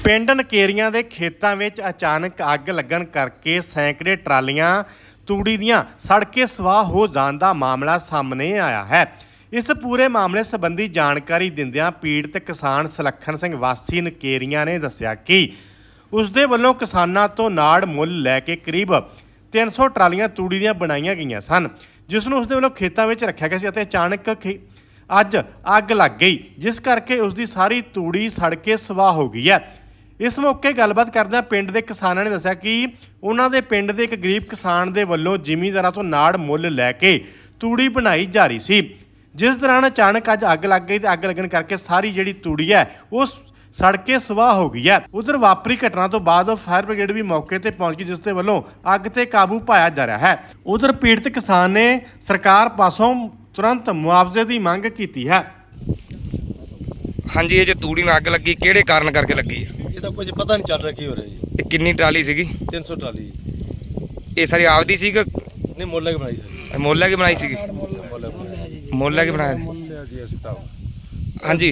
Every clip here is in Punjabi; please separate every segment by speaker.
Speaker 1: ਪਿੰਡ ਨਕੇਰੀਆਂ ਦੇ ਖੇਤਾਂ ਵਿੱਚ ਅਚਾਨਕ ਅੱਗ ਲੱਗਣ ਕਰਕੇ ਸੈਂਕੜੇ ਟਰਾਲੀਆਂ ਤੂੜੀ ਦੀਆਂ ਸੜ ਕੇ ਸਵਾਹ ਹੋ ਜਾਣ ਦਾ ਮਾਮਲਾ ਸਾਹਮਣੇ ਆਇਆ ਹੈ। ਇਸ ਪੂਰੇ ਮਾਮਲੇ ਸੰਬੰਧੀ ਜਾਣਕਾਰੀ ਦਿੰਦਿਆਂ ਪੀੜਤ ਕਿਸਾਨ ਸੁਲੱਖਣ ਸਿੰਘ ਵਾਸੀ ਨਕੇਰੀਆਂ ਨੇ ਦੱਸਿਆ ਕਿ ਉਸ ਦੇ ਵੱਲੋਂ ਕਿਸਾਨਾਂ ਤੋਂ ਨਾੜ ਮੁੱਲ ਲੈ ਕੇ ਕਰੀਬ 300 ਟਰਾਲੀਆਂ ਤੂੜੀ ਦੀਆਂ ਬਣਾਈਆਂ ਗਈਆਂ ਸਨ, ਜਿਸ ਨੂੰ ਉਸ ਦੇ ਵੱਲੋਂ ਖੇਤਾਂ ਵਿੱਚ ਰੱਖਿਆ ਗਿਆ ਸੀ ਅਤੇ ਅਚਾਨਕ ਅੱਜ ਅੱਗ ਲੱਗ ਗਈ, ਜਿਸ ਕਰਕੇ ਉਸ ਦੀ ਸਾਰੀ ਤੂੜੀ ਸੜ ਕੇ ਸਵਾਹ ਹੋ ਗਈ ਹੈ। ਇਸ ਮੌਕੇ ਗੱਲਬਾਤ ਕਰਦਿਆਂ ਪਿੰਡ ਦੇ ਕਿਸਾਨਾਂ ਨੇ ਦੱਸਿਆ ਕਿ ਉਹਨਾਂ ਦੇ ਪਿੰਡ ਦੇ ਇੱਕ ਗਰੀਬ ਕਿਸਾਨ ਦੇ ਵੱਲੋਂ ਜ਼ਿਮੀਂਦਾਰਾਂ ਤੋਂ ਨਾੜ ਮੁੱਲ ਲੈ ਕੇ ਤੂੜੀ ਬਣਾਈ ਜਾ ਰਹੀ ਸੀ, ਜਿਸ ਦੌਰਾਨ ਅਚਾਨਕ ਅੱਜ ਅੱਗ ਲੱਗ ਗਈ ਤੇ ਅੱਗ ਲੱਗਣ ਕਰਕੇ ਸਾਰੀ ਜਿਹੜੀ ਤੂੜੀ ਹੈ ਉਹ ਸੜ ਕੇ ਸਵਾਹ ਹੋ ਗਈ ਹੈ। ਉਧਰ ਵਾਪਰੀ ਘਟਨਾ ਤੋਂ ਬਾਅਦ ਫਾਇਰ ਬ੍ਰਿਗੇਡ ਵੀ ਮੌਕੇ ਤੇ ਪਹੁੰਚ ਗਈ, ਜਿਸ ਦੇ ਵੱਲੋਂ ਅੱਗ ਤੇ ਕਾਬੂ ਪਾਇਆ ਜਾ ਰਿਹਾ ਹੈ। ਉਧਰ ਪੀੜਤ ਕਿਸਾਨ ਨੇ ਸਰਕਾਰ ਪਾਸੋਂ ਤੁਰੰਤ ਮੁਆਵਜ਼ੇ ਦੀ ਮੰਗ ਕੀਤੀ ਹੈ।
Speaker 2: ਹਾਂਜੀ, ਇਹ ਜੋ ਤੂੜੀ ਨੂੰ ਅੱਗ ਲੱਗੀ ਕਿਹੜੇ ਕਾਰਨ ਕਰਕੇ ਲੱਗੀ ਹੈ?
Speaker 3: ਇਹ ਤਾਂ ਕੁਝ ਪਤਾ ਨਹੀਂ ਚੱਲ ਰਿਹਾ ਕੀ ਹੋ ਰਿਹਾ ਜੀ।
Speaker 2: ਇਹ ਕਿੰਨੀ ਟਰਾਲੀ ਸੀਗੀ?
Speaker 3: 300 ਟਰਾਲੀ
Speaker 2: ਇਹ ਸਾਰੀ ਆਪਦੀ ਸੀ ਕਿ
Speaker 3: ਨਹੀਂ ਮੁੱਲ ਲੈ ਕੇ ਬਣਾਈ ਸਰ?
Speaker 2: ਮੁੱਲ ਲੈ ਕੇ ਬਣਾਈ ਸੀਗੀ? ਮੁੱਲ ਲੈ ਕੇ ਬਣਾਇਆ।
Speaker 4: ਮੁੱਲ ਲਿਆ ਜੀ ਅਸੀਂ ਤਾਂ
Speaker 2: ਹਾਂਜੀ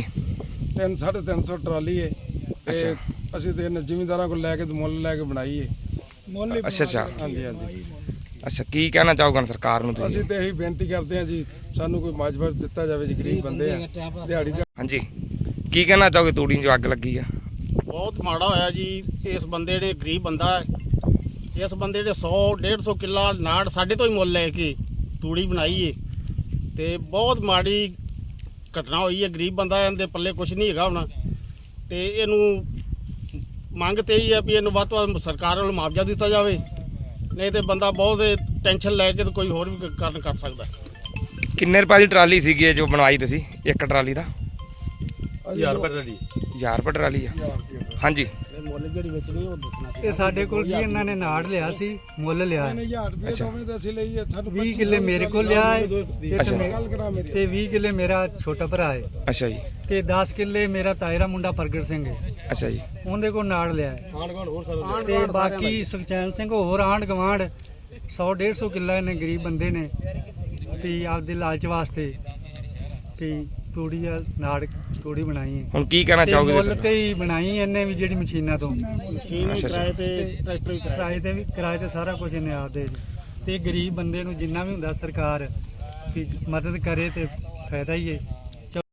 Speaker 4: 350 ਟਰਾਲੀ ਹੈ ਤੇ ਅਸੀਂ ਤੇ ਜ਼ਿਮੀਂਦਾਰਾਂ ਕੋਲ ਲੈ ਕੇ ਮੁੱਲ ਲੈ ਕੇ ਬਣਾਈ ਹੈ।
Speaker 2: ਅੱਛਾ ਅੱਛਾ
Speaker 4: ਹਾਂਜੀ ਹਾਂਜੀ
Speaker 2: ਅੱਛਾ, ਕੀ ਕਹਿਣਾ ਚਾਹੋਗੇ ਸਰਕਾਰ ਨੂੰ ਤੁਸੀਂ?
Speaker 4: ਅਸੀਂ ਤੇ ਇਹੀ ਬੇਨਤੀ ਕਰਦੇ ਹਾਂ ਜੀ, ਸਾਨੂੰ ਕੋਈ ਮਾਜਬਰ ਦਿੱਤਾ ਜਾਵੇ ਜੀ, ਗਰੀਬ ਬੰਦੇ ਆ ਦਿਹਾੜੀ ਦਾ।
Speaker 2: ਹਾਂਜੀ, ਕੀ ਕਹਿਣਾ ਚਾਹੋਗੇ ਤੂੜੀ ਜੋ ਅੱਗ ਲੱਗੀ ਆ?
Speaker 5: ਬਹੁਤ ਮਾੜਾ ਹੋਇਆ ਜੀ। ਇਸ ਬੰਦੇ ਨੇ ਗਰੀਬ ਬੰਦਾ ਹੈ, ਇਸ ਬੰਦੇ ਨੇ 100-150 ਕਿੱਲਾ ਨਾੜ ਸਾਡੇ ਤੋਂ ਹੀ ਮੁੱਲ ਲੈ ਕੇ ਤੂੜੀ ਬਣਾਈ ਏ ਤੇ ਬਹੁਤ ਮਾੜੀ ਘਟਨਾ ਹੋਈ ਹੈ। ਗਰੀਬ ਬੰਦਾ ਇਹਦੇ ਪੱਲੇ ਕੁਝ ਨਹੀਂ ਹੈਗਾ ਹੁਣ, ਤੇ ਇਹਨੂੰ ਮੰਗ ਤੇ ਹੀ ਹੈ ਵੀ ਇਹਨੂੰ ਵੱਧ ਤੋਂ ਵੱਧ ਸਰਕਾਰ ਵੱਲੋਂ ਮੁਆਵਜ਼ਾ ਦਿੱਤਾ ਜਾਵੇ, ਨਹੀਂ ਤੇ ਬੰਦਾ ਬਹੁਤ ਟੈਨਸ਼ਨ ਲੈ ਕੇ ਤੇ ਕੋਈ ਹੋਰ ਵੀ ਕਾਰਨ ਕਰ ਸਕਦਾ।
Speaker 2: ਕਿੰਨੇ ਰੁਪਏ ਦੀ ਟਰਾਲੀ ਸੀਗੀ ਇਹ ਜੋ ਬਣਵਾਈ ਤੁਸੀਂ? ਇੱਕ ਟਰਾਲੀ ਦਾ
Speaker 3: 1000 ਰੁਪਏ ਟਰਾਲੀ।
Speaker 2: 1000 ਰੁਪਏ ਟਰਾਲੀ ਆ? ਹਾਂਜੀ,
Speaker 5: ਮੁੱਲ ਜਿਹੜੀ ਵੇਚਣੀ ਉਹ ਦੱਸਣਾ।
Speaker 6: ਇਹ ਸਾਡੇ ਕੋਲ ਜੀ ਇਹਨਾਂ ਨੇ ਨਾੜ ਲਿਆ ਸੀ, ਮੁੱਲ ਲਿਆ
Speaker 4: 1000 ਰੁਪਏ ਦੋਵੇਂ ਤੇ ਅਸੀਂ ਲਈਏ। ਸਾਨੂੰ
Speaker 6: 20 ਕਿੱਲੇ ਮੇਰੇ ਕੋਲ ਲਿਆ ਹੈ
Speaker 4: ਗੱਲ ਕਰਾ ਮੇਰੀ
Speaker 6: ਤੇ 20 ਕਿੱਲੇ ਮੇਰਾ ਛੋਟਾ ਭਰਾ ਹੈ
Speaker 2: ਅੱਛਾ ਜੀ,
Speaker 6: ਤੇ 10 ਕਿੱਲੇ ਮੇਰਾ ਤਾਏ ਦਾ ਮੁੰਡਾ ਪ੍ਰਗਟ ਸਿੰਘ ਹੈ,
Speaker 2: ਅੱਛਾ ਜੀ,
Speaker 6: ਉਹਦੇ ਕੋਲ ਨਾੜ ਲਿਆ ਹੈ।
Speaker 5: ਆਂਢ ਗੁਆਂਢ ਹੋਰ ਸਾਰਾ
Speaker 6: ਤੇ ਬਾਕੀ ਸੁਖਚੈਨ ਸਿੰਘ ਹੋਰ ਆਂਢ ਗਵਾਂਢ 100-150 ਕਿੱਲਾ ਇਹਨੇ ਗਰੀਬ ਬੰਦੇ ਨੇ ਵੀ ਆਪਦੇ ਲਾਲਚ ਵਾਸਤੇ ਵੀ ਤੂੜੀ ਆ ਨਾੜ ਤੂੜੀ ਬਣਾਈ ਹੈ।
Speaker 2: ਹੁਣ ਕੀ ਕਹਿਣਾ
Speaker 6: ਤੇ
Speaker 2: ਚਾਹੋਗੇ
Speaker 6: ਮੁੱਲ
Speaker 2: ਤੁਸੀਂ?
Speaker 6: ਤੇ ਹੀ ਬਣਾਈ ਇਹਨੇ ਵੀ ਜਿਹੜੀ ਮਸ਼ੀਨਾਂ ਤੋਂ
Speaker 5: ਮਸ਼ੀਨ ਵੀ ਕਿਰਾਏ ਤੇ ਟਰੈਕਟਰ ਵੀ ਕਿਰਾਏ
Speaker 6: ਕਿਰਾਏ ਤੇ ਸਾਰਾ ਕੁਝ ਇਹਨੇ ਆਪਦੇ ਤੇ ਗਰੀਬ ਬੰਦੇ ਨੂੰ ਜਿੰਨਾ ਵੀ ਹੁੰਦਾ ਸਰਕਾਰ ਵੀ ਮਦਦ ਕਰੇ ਤੇ ਫਾਇਦਾ ਹੀ ਹੈ।